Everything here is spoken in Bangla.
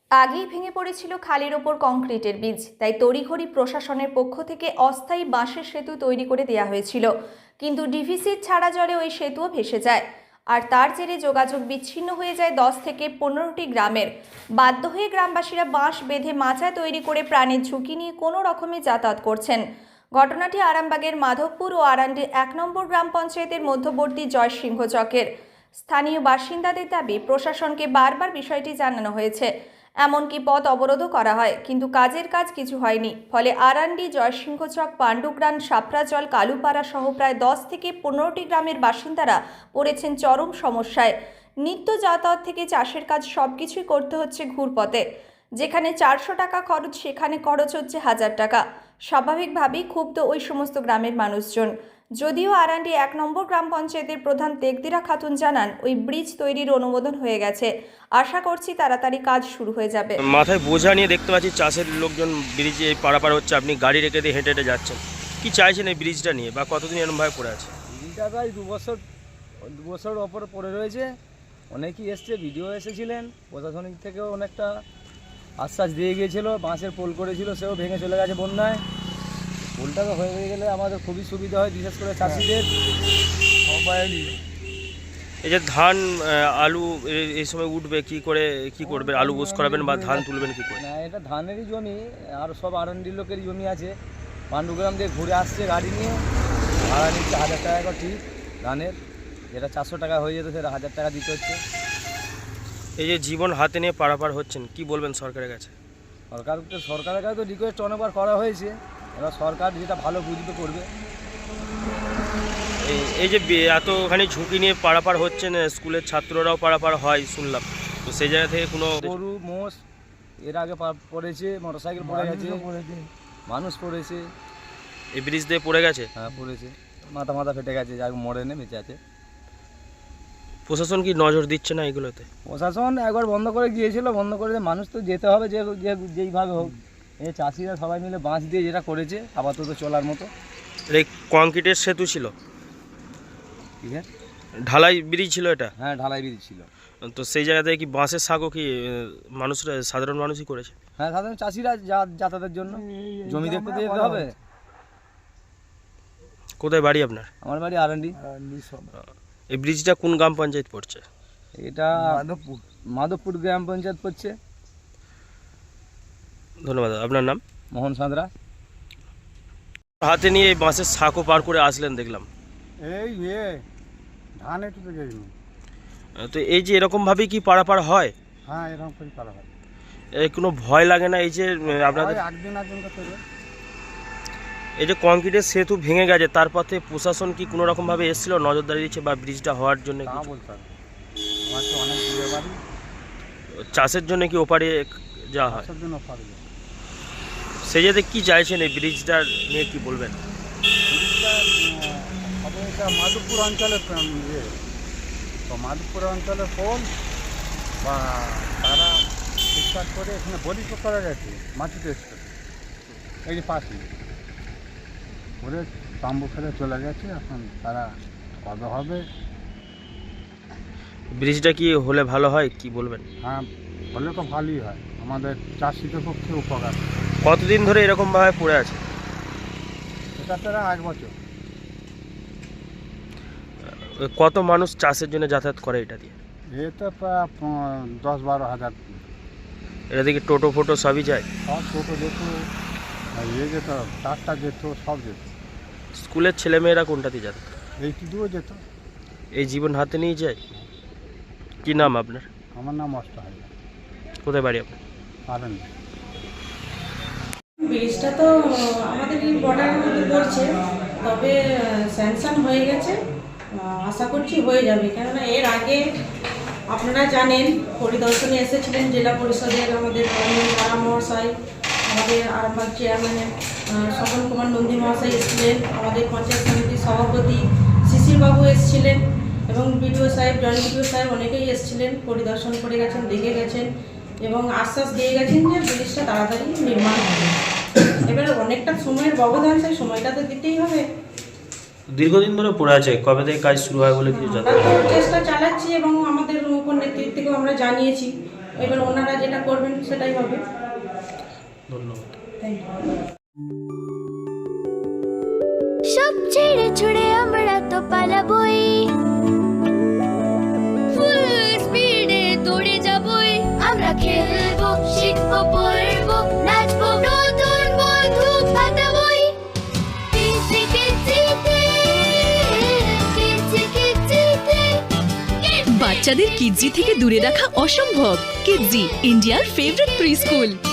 আগেই ভেঙে পড়েছিল খালের ওপর কংক্রিটের বীজ, তাই তড়িঘড়ি প্রশাসনের পক্ষ থেকে অস্থায়ী বাঁশের সেতু তৈরি করে দেওয়া হয়েছিল। কিন্তু ডিভিসির ছাড়া জলে ওই সেতুও ভেসে যায়, আর তার জেরে যোগাযোগ বিচ্ছিন্ন হয়ে যায় 10 থেকে 15টি গ্রামের। বাধ্য হয়ে গ্রামবাসীরা বাঁশ বেঁধে মাচা তৈরি করে প্রাণের ঝুঁকি নিয়ে কোনো রকমে যাতায়াত করছেন। ঘটনাটি আরামবাগের মাধবপুর ও আরান্ডি 1 নম্বর গ্রাম পঞ্চায়েতের মধ্যবর্তী জয়সিংহ চকের। স্থানীয় বাসিন্দাদের দাবি, প্রশাসনকে বারবার বিষয়টি জানানো হয়েছে, এমনকি পথ অবরোধও করা হয়, কিন্তু কাজের কাজ কিছু হয়নি। ফলে আরান্ডি, জয়সিংহচক, পাণ্ডুগ্রাম, সাপড়াজল, কালুপাড়া সহ প্রায় 10 থেকে 15টি গ্রামের বাসিন্দারা পড়েছেন চরম সমস্যায়। নিত্য যাতায়াত থেকে চাষের কাজ সবকিছুই করতে হচ্ছে ঘুরপথে। যেখানে 400 টাকা খরচ, সেখানে খরচ হচ্ছে 1000 টাকা। স্বাভাবিকভাবেই ক্ষুব্ধ ওই সমস্ত গ্রামের মানুষজন। যদিও আরান্ডি 1 নম্বর গ্রাম পঞ্চায়েতের প্রধান তেকদিরা খাতুন জানান, ওই ব্রিজ তৈরির অনুমোদন হয়ে গেছে, আশা করছি তাড়াতাড়ি কাজ শুরু হয়ে যাবে। মাথায় বোঝা নিয়ে দেখতে পাচ্ছি চাষের লোকজন ব্রিজে পারাপার হচ্ছে, আপনি গাড়ি রেখে দিয়ে হেঁটে হেঁটে যাচ্ছেন, কি চাইছেন এই ব্রিজটা নিয়ে, বা কতদিন এরকমভাবে পড়ে আছে? ব্রিজটা প্রায় দু বছর ওপরে পড়ে রয়েছে। অনেকেই এসছে, ভিডিও এসেছিলেন, প্রশাসনিক থেকেও অনেকটা আশ্বাস দিয়ে গিয়েছিল, বাঁশের পোল করেছিল, সেও ভেঙে চলে গেছে বন্যায়। পোলটা তো হয়ে গেলে আমাদের খুবই সুবিধা হয়, বিশেষ করে চাষিদের। এই যে ধান আলু এই সময় উঠবে, কি করবে? আলু বোস করাবেন বা ধান তুলবেন কি করে? না, এটা ধানেরই জমি, আর সব আরান্ডির লোকেরই জমি আছে। পাণ্ডুগ্রাম দিয়ে ঘুরে আসছে গাড়ি নিয়ে, ভাড়া নিচ্ছে 1000 টাকা করে ঠিক ধানের। যেটা 400 টাকা হয়ে যেত সেটা 1000 টাকা দিতে হচ্ছে। এই যে জীবন হাতে নিয়ে পারাপার হচ্ছেন, কি বলবেন সরকারের কাছে? সরকারের কাছে তো রিকোয়েস্ট অনেকবার করা হয়েছে, এবার সরকার যেটা ভালো বুঝতে করবে। এই যে এতখানি ঝুঁকি নিয়ে পারাপার হচ্ছেন, স্কুলের ছাত্ররাও পারাপার হয় শুনলাম, তো সেই জায়গা থেকে কোনো গরু মোষ এর আগে পড়েছে, মোটরসাইকেল পড়ে গেছে, মানুষ পড়েছে। এই ব্রিজ দিয়ে পড়ে গেছে? হ্যাঁ, পড়েছে, মাথা ফেটে গেছে, যাই মরেনি, বেঁচে আছে। প্রশাসন কি নজর দিচ্ছে না এগুলোতে? প্রশাসন একবার বন্ধ করে গিয়েছিল, বন্ধ করে মানুষ তো যেতে হবে যেইভাবে হোক। এই চাষিরা সবাই মিলে বাঁশ দিয়ে যেটা করেছে আপাতত চলার মতো। এই কংক্রিটের সেতু ছিল, ঠিক আছে, ঢালাই ব্রিজ ছিল এটা? হ্যাঁ, ঢালাই ব্রিজ ছিল। তো সেই জায়গাতে কি বাঁশের সাঁকো কি মানুষরা, সাধারণ মানুষই করেছে? হ্যাঁ, সাধারণ চাষিরা যাতায়াতের জন্য জমি দেখতে তো যেতে হবে। কোথায় বাড়ি আপনার? আমার বাড়ি আরান্ডি। এই ব্রিজটা কোন গ্রাম পঞ্চায়েত পড়ছে? এটা মাধবপুর গ্রাম পঞ্চায়েত পড়ছে। ধন্যবাদ। আপনার নাম? মোহন সাঁতরা। হাতে নিয়ে এই বাঁশের সাঁকো পার করে আসলেন দেখলাম। এই ধান একটু তো গেছিল। তো এই যে এরকমভাবেই কি পারাপার হয়? হ্যাঁ, এরকম করে করা হয়। এই কোনো ভয় লাগে না এই যে আপনাদের? একদিন করতে এই যে কংক্রিটের সেতু ভেঙে গেছে, তারপর থেকে প্রশাসন কি কোনো রকমভাবে এসেছিল, নজরদারি দিচ্ছে বা ব্রিজটা হওয়ার জন্য? তা বলতে হবে, আমার তো অনেক দূরে বাড়ি। চাষের জন্য কি ওপারে যাওয়া হয়? চাষের জন্য পারবে। সেই যাতে কি চাইছেন এই ব্রিজটা নিয়ে, কি বলবেন? ব্রিজটা হবে এটা মাধবপুর অঞ্চলের তো মাধবপুর অঞ্চলের পোল বা তারা ঠিকঠাক করে এখানে বলি তো করা গেছে, মাটি টেস্ট করে এই যে পাশে করে তাম্বু ফেলে চলে গেছে। এখন তারা কবে হবে? ব্রিজটা কি হলে ভালো হয়, কি বলবেন? হ্যাঁ, হলে তো ভালোই হয়, আমাদের চাষিদের পক্ষে উপকার। কতদিন ধরে এরকমভাবে পড়ে আছে? এটা তারা 1 বছর। কত মানুষ চাষের জন্য যাতায়াত করে এটা দিয়ে? এতে প্রায় 10-12 হাজার। এটা থেকে টোটো ফোটো সবই যায়? সব টোটো যেত, যেত, ট্রাক্টর যেত, সব যেত। স্কুলের ছেলেমেয়েরা কোনটা দিয়ে যাতায়াত? এইটুকুও যেত। এই জীবন হাতে নিয়ে যায়। কি নাম আপনার? আমার নাম অষ্টহারি। কোথায় বাড়ি আপনার? পারেন ব্রিজটা তো আমাদের এই বর্ডারের মধ্যে পড়ছে, তবে স্যাংশন হয়ে গেছে, আশা করছি হয়ে যাবে। কেননা এর আগে আপনারা জানেন, পরিদর্শনে এসেছিলেন জেলা পরিষদের আমাদের পাড়া মহাশয়, আমাদের আরামবাগ চেয়ারম্যানের স্বপন কুমার নন্দী মহাশয় এসেছিলেন, আমাদের পঞ্চায়েত সমিতির সভাপতি শিশিরবাবু এসেছিলেন, এবং বিডিও সাহেব, জয়েন্ট বিডিও সাহেব অনেকেই এসেছিলেন, পরিদর্শন করে গেছেন, দেখে গেছেন এবং আশ্বাস দিয়ে গেছেন যে ব্রিজটা তাড়াতাড়ি নির্মাণ হবে। এবারে অনেকটা সময়ের ব্যবধান, সেই সময়টা তো দিতেই হবে। দীর্ঘদিন ধরে পড়ে আছে, কবে থেকে কাজ শুরু হয় বলে কিছু জানেন? আমরা তো চেষ্টা চালাচ্ছি এবং আমাদের উপর নেতৃত্বকেও আমরা জানিয়েছি এবার ওনারা যেটা করবেন সেটাই হবে। ধন্যবাদ। Thank you. সব ছেড়ে ছুড়ে আমরা তো পালাবই, ফুল স্পিডে দৌড়ে যাবই, আমরা খেলবো, শিখবো, পড়বো, নাচবো, নতুন বন্ধু পাতাবই। কিচি কিচিতে, কিচি কিচিতে। বাচ্চাদের কিডজি থেকে দূরে রাখা অসম্ভব। কিডজি, ইন্ডিয়ার ফেভারিট প্রি স্কুল।